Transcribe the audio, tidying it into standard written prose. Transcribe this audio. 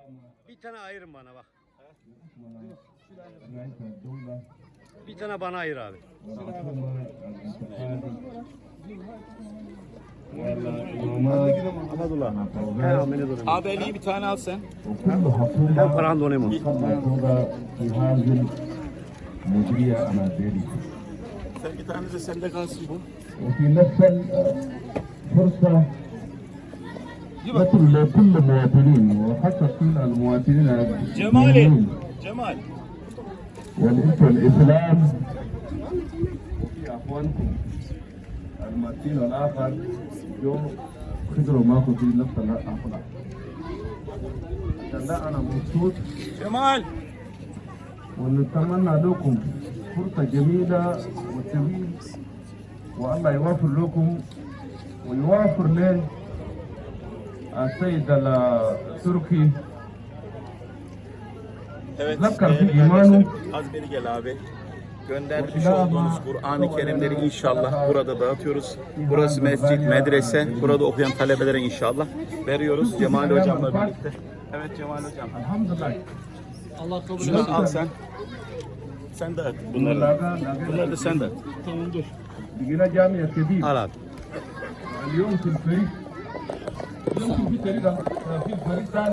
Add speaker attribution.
Speaker 1: Bir tane ayırın bana bak. Bir tane bana ayır abi.
Speaker 2: Abi iyi bir tane al sen.
Speaker 1: Ben paran donayım.
Speaker 2: Sen bir tane de sende kalsın bu.
Speaker 3: وفي نفس الفرصة نترك لكل المواطنين وخاصة المواطنين
Speaker 2: Cemali. Cemal.
Speaker 3: والإنتم الإسلام وفي أخوانكم المواطنين الآخر جو خدروا معكم في نفس الأخلاق عشان لا أنا مبسوط
Speaker 2: Cemal.
Speaker 3: ونتمنى لكم فرصة جميلة وسعيدة والله يوفر لكم ويوفر لنا السيد التركي
Speaker 2: Evet.
Speaker 3: Zakkar
Speaker 2: değerli
Speaker 3: bir imanı.
Speaker 2: kardeşlerim, Az beri gel abi. Göndermiş olduğunuz Kur'an-ı Kerimleri inşallah burada dağıtıyoruz. Burası mescit, medrese. Burada okuyan talebelere inşallah veriyoruz Cemal hocamla birlikte. Evet Cemal hocam.
Speaker 3: Elhamdülillah.
Speaker 2: Şunu al sen. Sen dağıt bunları. Bunları da sen dağıt.
Speaker 3: بقينا جامعة كبير
Speaker 1: Al abi.
Speaker 3: اليوم في الفريق اليوم في فريق ثاني